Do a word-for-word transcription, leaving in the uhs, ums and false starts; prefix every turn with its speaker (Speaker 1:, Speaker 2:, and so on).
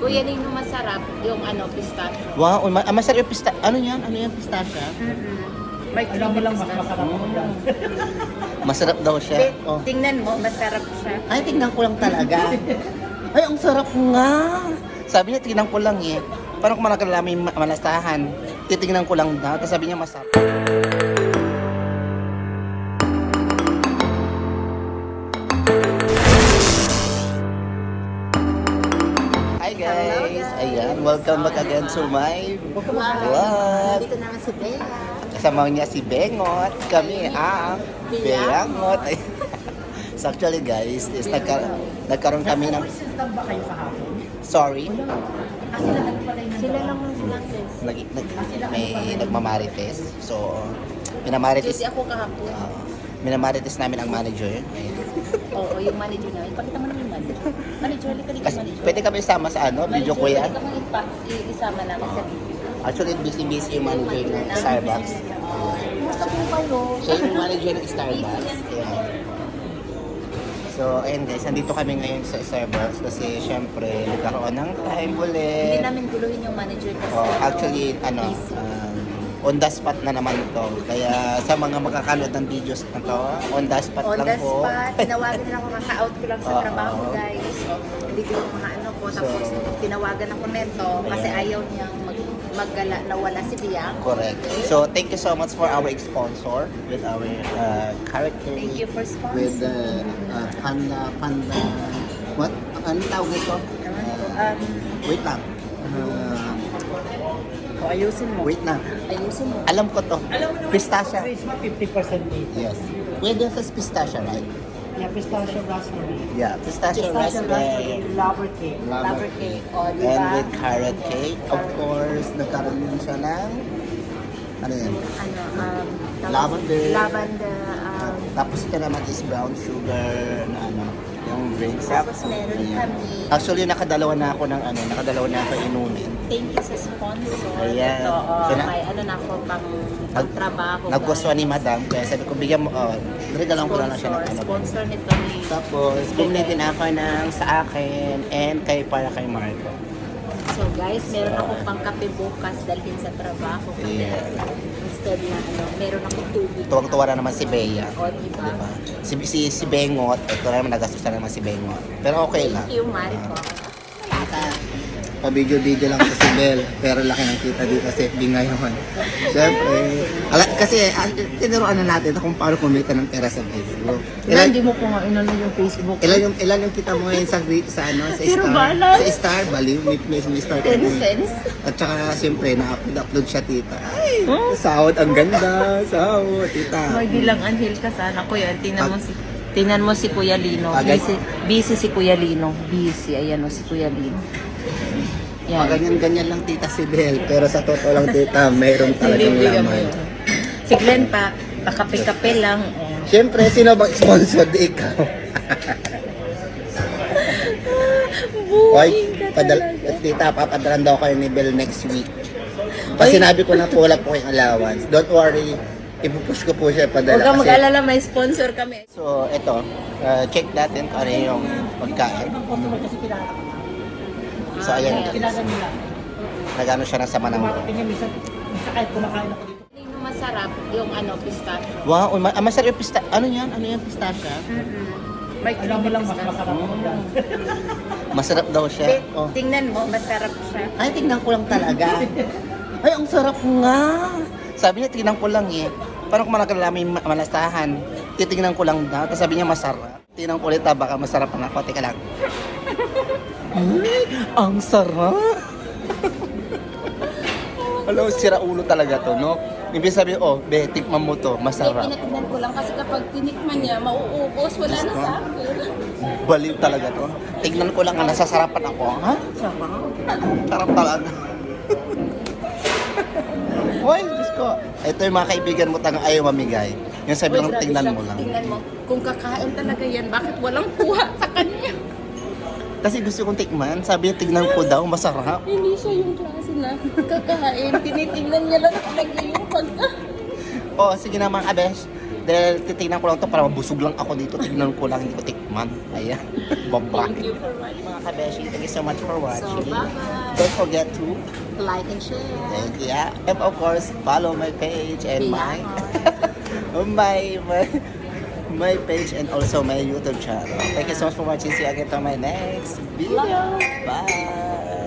Speaker 1: Kuya Lino, masarap yung ano, pistachio.
Speaker 2: Wow, ma- ah, masarap yung pista... Ano yan? Ano yan, pistachio?
Speaker 1: Mm-hmm. May
Speaker 3: Alam mo lang, mas
Speaker 1: pistachio.
Speaker 3: masarap mo lang.
Speaker 2: Masarap daw siya.
Speaker 1: Be,
Speaker 2: Oh.
Speaker 1: tingnan mo, masarap siya.
Speaker 2: Ay, tingnan ko lang talaga. Ay, ang sarap nga. Sabi niya, tingnan ko lang eh. Parang kung manakalamin ma- malasahan. Titingnan ko lang daw. Tapos sabi niya, masarap. Hi guys! Ayan, welcome back again to my vlog.
Speaker 1: Dito naman si Bea.
Speaker 2: Kasama niya si Bengot. Kami ang Bengot. So actually guys, is nagka- nagkaroon kami ng...
Speaker 3: Nag-system ba kayo kahapon?
Speaker 2: Sorry.
Speaker 3: Ah, sila nagpalay na.
Speaker 1: Sila lang ang silang
Speaker 2: Nag, nag, may nagmamarites. So, minamarites,
Speaker 1: Kasi ako kahapon.
Speaker 2: uh, minamarites namin ang manager. Ayan.
Speaker 1: Oo, yung manager namin. Pakita mo naman yung manager. Manager, halika dito
Speaker 2: Kasi,
Speaker 1: manager.
Speaker 2: pwede kami isama sa ano, video
Speaker 1: Manager,
Speaker 2: kuya.
Speaker 1: pwede ka mang ipa- i- isama namin sa video.
Speaker 2: Actually, busy-busy yung manager ng Starbucks.
Speaker 1: Kumusta po kayo?
Speaker 2: Siya yung manager ng Starbucks. Ayan. So, ayun guys, nandito kami ngayon sa Starbucks kasi syempre, nagkaroon ng time
Speaker 1: Hindi
Speaker 2: ulit.
Speaker 1: namin guluhin yung manager kasi
Speaker 2: Oh,
Speaker 1: ano,
Speaker 2: actually, ano,
Speaker 1: busy.
Speaker 2: um, on the spot na naman to. Kaya sa mga makakanood ng videos na to, on the spot
Speaker 1: On
Speaker 2: lang
Speaker 1: the
Speaker 2: po.
Speaker 1: spot, tinawagan na ako, kaka-out ko lang sa
Speaker 2: Oo.
Speaker 1: trabaho guys. So, hindi ko yung mga ano ko. Tapos
Speaker 2: So,
Speaker 1: tinawagan ako neto kasi
Speaker 2: ayan.
Speaker 1: ayaw niyang mag maggala na wala si Biang.
Speaker 2: Correct. So, thank you so much for our sponsor with our uh, character.
Speaker 1: Thank you for
Speaker 2: With
Speaker 1: sponsoring.
Speaker 2: the uh, panda, panda, what? Ano tawag nito?
Speaker 1: Ewan ko.
Speaker 2: Uh,
Speaker 1: Um,
Speaker 2: wait lang. Uh,
Speaker 1: o, ayusin mo.
Speaker 2: wait na.
Speaker 1: Ayusin mo.
Speaker 2: Alam ko to.
Speaker 3: Alam mo naman,
Speaker 2: Pistachio.
Speaker 3: Christmas fifty percent dito.
Speaker 2: Yes. Pwede sa pistachio, right?
Speaker 3: Yeah, pistachio raspberry.
Speaker 2: Yeah, pistachio,
Speaker 3: Pistachio
Speaker 2: raspberry.
Speaker 3: raspberry, lover cake.
Speaker 1: Lover cake. O, di
Speaker 2: And
Speaker 1: ba?
Speaker 2: with carrot cake. Of course, nagkaroon din siya ng ano yan?
Speaker 1: Ano, um, tawag-
Speaker 2: Lavender.
Speaker 1: Lavender. Um,
Speaker 2: Tapos ito naman is brown sugar na ano, yung drinks.
Speaker 1: tapos meron
Speaker 2: Ayan.
Speaker 1: kami.
Speaker 2: Actually, nakadalawa na ako ng ano, nakadalawa na ako inumin.
Speaker 1: Thank you sa sponsor.
Speaker 2: Ayan.
Speaker 1: Ito, oh,
Speaker 2: So, na-
Speaker 1: may ano na ako pang pagtrabaho.
Speaker 2: Nagustuhan ni madam, kaya sabi ko, bigyan mo, oh, regalan ko lang na siya ng
Speaker 1: Sponsor,
Speaker 2: ano.
Speaker 1: sponsor nito ni...
Speaker 2: Tapos, bumili din ako ng sa akin and kay para kay Marco.
Speaker 1: So guys, meron ako pang kape bukas dalhin sa trabaho. Kasi
Speaker 2: Yeah.
Speaker 1: instead na ano, meron ako tubig.
Speaker 2: Tuwang-tuwa na naman si Bea.
Speaker 1: O, diba?
Speaker 2: Diba? Si, si, si Bengot, ito na naman nagastos na naman si Bengot. Pero okay lang.
Speaker 1: Thank you, Marco.
Speaker 2: Pa-video-video lang sa si Bel, pero laki ng kita dito sa F B ngayon. Siyempre, ala, kasi ah, tinuruan na natin kung paano kumita ng pera sa Facebook. Ilan,
Speaker 1: Hindi mo po nga inano yung Facebook.
Speaker 2: ilan yung ilan yung kita mo ngayon sa gri- sa ano sa
Speaker 1: Zero
Speaker 2: Star.
Speaker 1: balance.
Speaker 2: Sa Star, baliw, may may, may Star.
Speaker 1: ten
Speaker 2: kami.
Speaker 1: cents.
Speaker 2: At saka siyempre na-upload upload siya tita. Ay, sahod ang ganda, sahod tita.
Speaker 1: May bilang anhil ka sana, Kuya. Tingnan mo si... Tingnan mo si Kuya Lino.
Speaker 2: Ah, guys.
Speaker 1: Busy, busy si Kuya Lino. Busy. Ayan o, si Kuya Lino.
Speaker 2: Yan.
Speaker 1: Yan.
Speaker 2: Ganyan-ganyan lang tita si Bel, pero sa totoo lang tita, mayroon talagang
Speaker 1: Bibigyan mo
Speaker 2: laman.
Speaker 1: yun. Si Glenn pa, pakape-kape lang. Oh.
Speaker 2: Siyempre, sino bang sponsor di ikaw? Oy, padal tita, papadalan daw kayo ni Bel next week. Kasi
Speaker 1: Oy.
Speaker 2: sinabi ko na po, wala po kayong allowance. Don't worry, ipupush ko po siya padala.
Speaker 1: Huwag kang
Speaker 2: kasi-
Speaker 1: mag-alala, may sponsor kami.
Speaker 2: So, ito, uh, check natin kung ano yung pagkain.
Speaker 3: Ibang customer kasi kilala ka.
Speaker 2: So, ayan,
Speaker 3: Kilala nila.
Speaker 2: nagano siya ng sama ng loob.
Speaker 3: Kumakain niya, minsan, minsan kahit kumakain ako dito.
Speaker 1: Yung masarap, yung ano, pistachio.
Speaker 2: Wow, ma- ah, masarap yung pista... Ano yan? Ano yan, pistachio?
Speaker 1: May
Speaker 3: Alam mo lang, mas
Speaker 1: pistachio.
Speaker 3: masarap mo lang.
Speaker 2: Masarap daw siya.
Speaker 1: Be,
Speaker 2: Oh.
Speaker 1: tingnan mo, masarap siya.
Speaker 2: Ay, tingnan ko lang talaga. Ay, ang sarap nga. Sabi niya, tingnan ko lang eh. Parang kung manakalamin ma- malasahan. Titingnan ko lang daw. Tapos sabi niya, masarap. Tingnan ko ulit, ah, baka masarap na ako. Teka lang. Ay, ang sarap. Alam, sira ulo talaga to, no? Ibig sabihin, oh, be, tikman mo to,
Speaker 1: Hindi,
Speaker 2: masarap.
Speaker 1: pinatignan ko lang kasi kapag tinikman niya, mauubos, wala na sa akin.
Speaker 2: Baliw talaga to. Tignan ko lang, ah, nasasarapan ako. Ha?
Speaker 1: Sarap.
Speaker 2: Sarap talaga. Hoy, Diyos ko. Ito yung mga kaibigan mo tanga ayaw mamigay. Yung sabi lang, tingnan mo lang.
Speaker 1: Tingnan mo. Kung kakain talaga yan, bakit walang kuha sa kanya?
Speaker 2: Kasi gusto kong tikman. Sabi niya, tignan ko daw, masarap.
Speaker 1: Hindi siya yung klase na kakain. Tinitingnan niya lang talaga yung pagka.
Speaker 2: Oh, sige na mga kabesh. Dahil titignan ko lang to para mabusog lang ako dito. Tignan ko lang, hindi ko tikman. Ayan. Baba.
Speaker 1: Thank you for watching.
Speaker 2: Mga kabeshi, thank you so much for
Speaker 1: So,
Speaker 2: watching.
Speaker 1: bye-bye.
Speaker 2: Don't forget to
Speaker 1: Like and share.
Speaker 2: and yeah, and of course, follow my page and my
Speaker 1: Bilangon.
Speaker 2: my my my page and also my YouTube channel. Thank you so much for watching. See you again on my next video. Bye.